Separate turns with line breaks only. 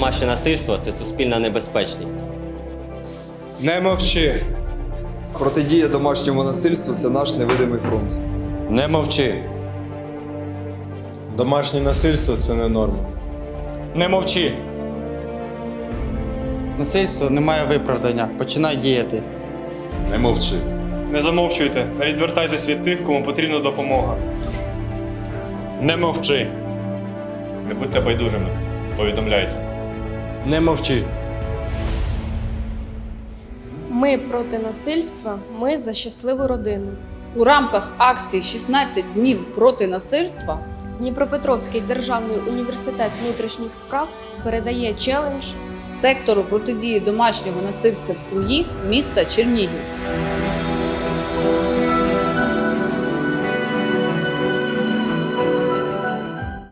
домашнє насильство – це суспільна небезпечність.
Не мовчи.
Протидія домашньому насильству – це наш невидимий фронт.
Не мовчи.
Домашнє насильство – це не норма.
Не мовчи.
Насильство не має виправдання. Починай діяти.
Не мовчи.
Не замовчуйте, не відвертайтесь від тих, кому потрібна допомога. Не мовчи. Не будьте байдужими. Повідомляйте.
Не мовчи.
Ми проти насильства, ми за щасливу родину.
У рамках акції «16 днів проти насильства»
Дніпропетровський державний університет внутрішніх справ передає челендж
сектору протидії домашнього насильства в сім'ї міста Чернігів.